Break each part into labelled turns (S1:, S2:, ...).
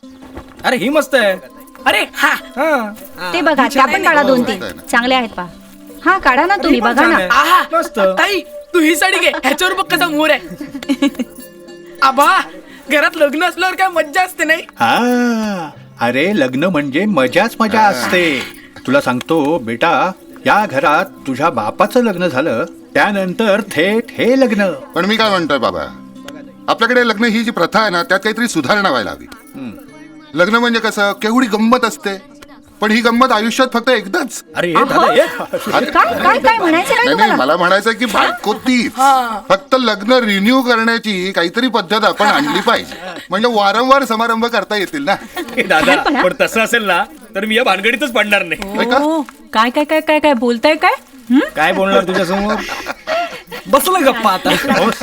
S1: अरे ही मस्त आहे.
S2: अरे हा
S3: ते बघा त्या पण काढा 2-3 चांगले आहेत पहा. हा काढा ना तुम्ही बघा ना.
S2: आहा
S1: मस्त.
S2: ताई तू ही साडी घे, ह्याच्यावर बघ कसा मोर आहे. आबा घरात लग्न असल्यावर काय मज्जा असते नाही.
S4: हा अरे लग्न म्हणजे मजाच मजा असते. तुला सांगतो बेटा, या घरात तुझ्या बापाचं लग्न झालं त्यानंतर थेट हे लग्न.
S5: पण मी काय म्हणतोय बाबा, आपल्याकडे लग्न ही जी प्रथा आहे ना, त्यात काहीतरी सुधारणा व्हायला हवी. लग्न म्हणजे कसं केवढी गंमत असते, पण ही गंमत आयुष्यात फक्त एकदाच.
S1: अरे दादा
S5: अरे,
S3: काय काय काय म्हणायचं काय
S5: नाही नाही,
S3: तुम्हाला?
S5: मला म्हणायचं की बायको तीच, फक्त लग्न रिन्यू करण्याची काहीतरी पद्धत आपण आणली पाहिजे, म्हणजे वारंवार समारंभ करता येतील ना.
S1: दादा पण तसं असेल ना तर मी या भानगडीतच पडणार नाही.
S5: होय का?
S6: काय काय काय काय काय बोलताय काय?
S1: काय बोलणार तुझ्या समोर?
S2: बसलं गप्पा आता.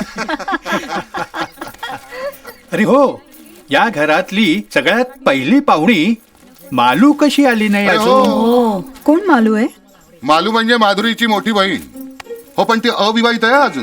S4: अरे हो, या घरातली सगळ्यात पहिली पाहुणी मालू कशी आली नाही
S5: अरे
S4: अजून?
S5: हो,
S6: कोण मालू आहे?
S5: मालू म्हणजे माधुरीची मोठी बहीण. हो पण ती अविवाहित आहे अजून.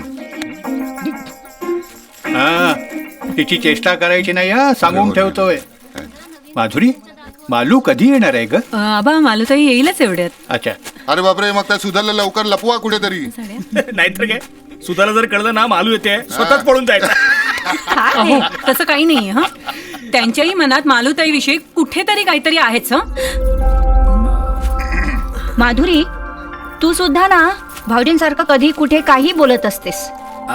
S4: हा तिची चेष्टा करायची नाही हा, सांगून ठेवतोय. माधुरी, मालू कधी येणार आहे ग?
S6: आबा मालूताई येईलच एवढ्यात.
S4: अच्छा.
S5: अरे बापरे, मग त्या सुधारला लवकर लपवा कुठेतरी.
S1: नाहीतर काय, सुधाला जर कळलं ना मालू येते स्वतःच पळून जायचं.
S6: अहो तसं काही नाही हा. त्यांच्याही मनात मालूताई विषयी कुठेतरी काहीतरी आहेच हा.
S3: माधुरी, तू सुद्धा ना भाऊजींसारखं कधी कुठे काही बोलत असतेस.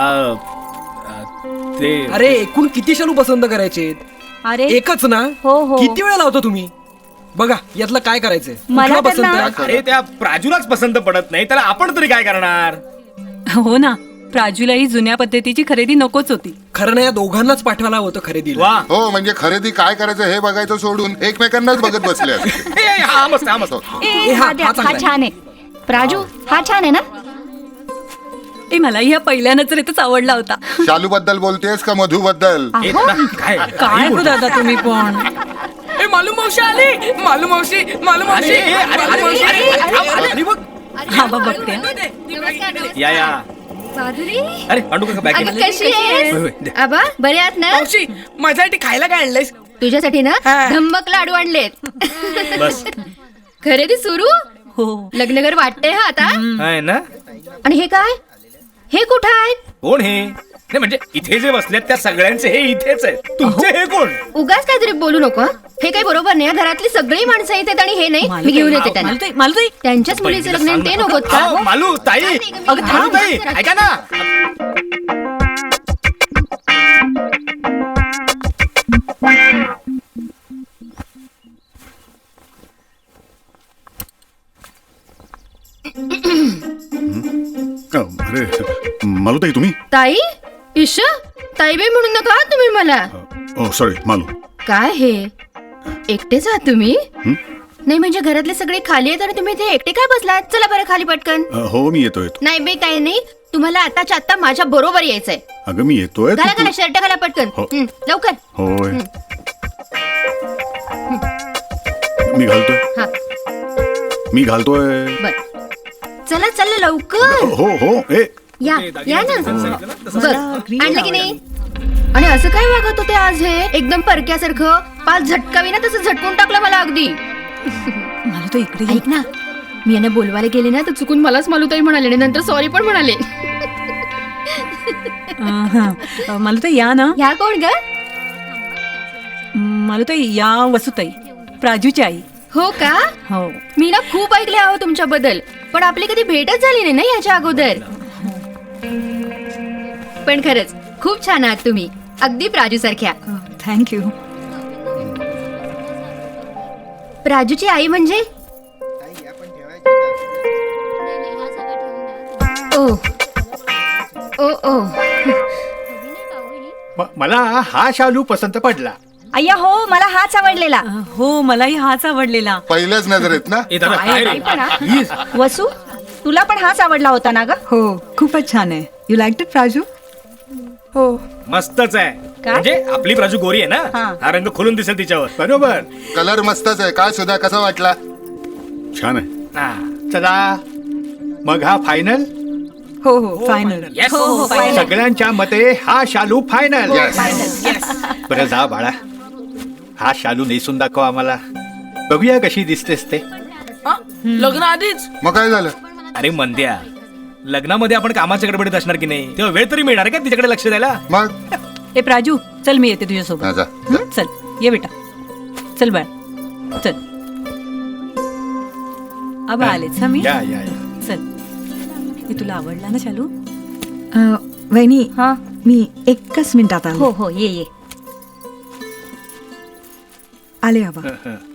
S1: ते
S2: अरे एकूण किती शालू पसंत करायचे?
S3: अरे
S2: एकच ना?
S3: हो, हो.
S2: किती वेळा लावतो तुम्ही? बघा यातलं काय करायचंय?
S3: मला
S2: कुठला
S3: तर
S2: पसंत
S3: ना-
S2: आहे?
S1: अरे त्या प्राजूलाच पसंत पडत नाही तर आपण तरी काय करणार?
S6: हो ना, प्राजूलाही जुन्या पद्धतीची खरेदी नकोच होती.
S2: खरं ना, या दोघांनाच पाठवायला होतं खरेदीला.
S1: वा
S5: हो म्हणजे खरेदी काय करायचं हे बघायचं सोडून एकमेकांनाच बघत बसले असते.
S1: हा मस्त हा मस्त.
S3: ए,
S2: हा
S3: हा द्या,
S2: चांगला
S3: हा
S2: आहे.
S3: छान आहे. प्राजू हा छान आहे ना?
S6: ए मलाही हा पहिल्या नजरेतच आवडला होता.
S5: शालू बद्दल बोलतेस का मधू बद्दल?
S1: ए, दादा, काय
S6: काय हो दादा तुम्ही पण.
S2: ए मालू मावशी आली. मालू मावशी, मालू मावशी,
S1: अरे, अरे,
S2: मालू
S1: अरे,
S2: मावशी.
S1: अरे,
S2: अरे, बघ.
S6: हा बा बघते हा.
S1: या
S7: माधुरी
S1: अरे पांडू काका बॅग
S7: अगं कशी आहेस?
S1: होय, दे.
S7: आबा बरे आहात ना?
S2: मावशी माझ्यासाठी खायला काय आणलंयस?
S7: तुझ्यासाठी ना
S2: हा.
S7: धम्मक लाडू आणलेत.
S1: बस
S7: खरेदी सुरू.
S6: हो
S7: लग्नगर वाटतंय हा आता.
S1: आहे ना.
S7: आणि हे काय? हे कुठं आहेत?
S1: कोण हे? नाही म्हणजे इथे जे बसलेत त्या सगळ्यांचे हे इथेच आहे. तुमचे हे कोण?
S7: उगाच काहीतरी बोलू नको हं? हे काही बरोबर नाही. घरातली सगळी माणसं येतात आणि हे नाही. मी घेऊन येते त्यांना.
S6: मालूताई मालूताई
S7: त्यांच्याच मुलीचं लग्न आहे, ते नकोत का?
S1: अहो, मालू ताई,
S7: अगं,
S1: मालू ताई, ऐका ना.
S5: अरे मालूताई तुम्ही?
S7: ताई ईशा ताईबाई म्हणून नका हं तुम्ही मला.
S5: Oh sorry Malu.
S7: काय हे एकटेच आहात तुम्ही? नाही म्हणजे घरातले सगळे खाली आहेत आणि तुम्ही इथे एकटे काय बसलात? चला बरं खाली पटकन.
S5: हो मी येतोय.
S7: नाही बे काही नाही, तुम्हाला आताच्या आता माझ्या बरोबर यायचंय.
S5: अगं मी येतोय.
S7: घाला घाला शर्ट घाला पटकन.
S5: हो.
S7: लवकर.
S5: होय मी घालतोय.
S7: हा
S5: मी घालतोय.
S7: बर चला चला लवकर
S5: हो हो ए
S7: या या ना. बघ आणलं की नाही? आणि असं काय वागत होते आज हे एकदम परक्यासारखं? पाच झटकावी ना तसं झटकून टाकलं मला अगदी.
S6: मालूताई इकडे ये.
S7: ऐक ना, मी यांना बोलवायला गेले ना तर चुकून मलाच मालूताई म्हणाले आणि नंतर सॉरी पण म्हणाले.
S6: हा. मालूताई या ना.
S7: ह्या कोण ग?
S6: मालूताई या वसुताई, प्राजूची आई.
S7: हो का?
S6: हो.
S7: मी ना खूप ऐकले आहो तुमच्याबद्दल, पण आपली कधी भेटच झाली नाही ना याच्या अगोदर. पण खरंच खूप छान आहात तुम्ही, अगदी प्राजू सारख्या.
S6: थँक्यू.
S7: प्राजूची आई म्हणजे? ओ ओ ओ
S4: मला हा शालू पसंत पडला.
S3: अय्या हो, मला हाच आवडलेला.
S6: हो मलाही हाच आवडलेला.
S5: पहिल्याच नजरेत ना.
S1: ए, दादा, काय रे?
S3: काय पण हा? वसू, तुला पण हाच आवडला होता ना ग?
S8: हो खूपच छान आहे. You like it Praju?
S2: हो
S1: मस्तच आहे. म्हणजे आपली प्राजू गोरी आहे ना,
S3: हा.
S1: हा रंग खोलून दिसेल तिच्यावर.
S4: बरोबर.
S5: कलर मस्तच आहे. काय सुद्धा कसा वाटला? छान आहे.
S1: हा.
S4: चला मग हा फायनल.
S8: हो हो फायनल.
S1: Yes.
S3: हो हो final.
S4: सगळ्यांच्या मते हा शालू फायनल.
S5: Yes.
S4: बरं जा बाळा. हा शालू नेसून दाखव आम्हाला. बघूया कशी दिसतेस ते.
S2: हा? लग्न आधीच
S5: मग काय झालं?
S1: अरे मंद्या, लग्नामध्ये आपण कामाच्या गडबडीत असणार की नाही, तेव्हा वेळ तरी मिळणार का तिच्याकडे लक्ष द्यायला?
S5: मग
S6: ए प्राजू चल मी येते
S5: हा,
S6: तुझ्यासोबत.
S5: जा, जा.
S6: हं? चल ये बेटा. चल बाळ चल. आबा आलेच हा मी.
S4: या या या.
S6: चल. हे तुला आवडला ना शालू?
S8: वहिनी
S3: हा
S8: मी एकच मिनिटात आले.
S3: हो हो ये ये.
S8: आले आबा.
S4: हं, हं.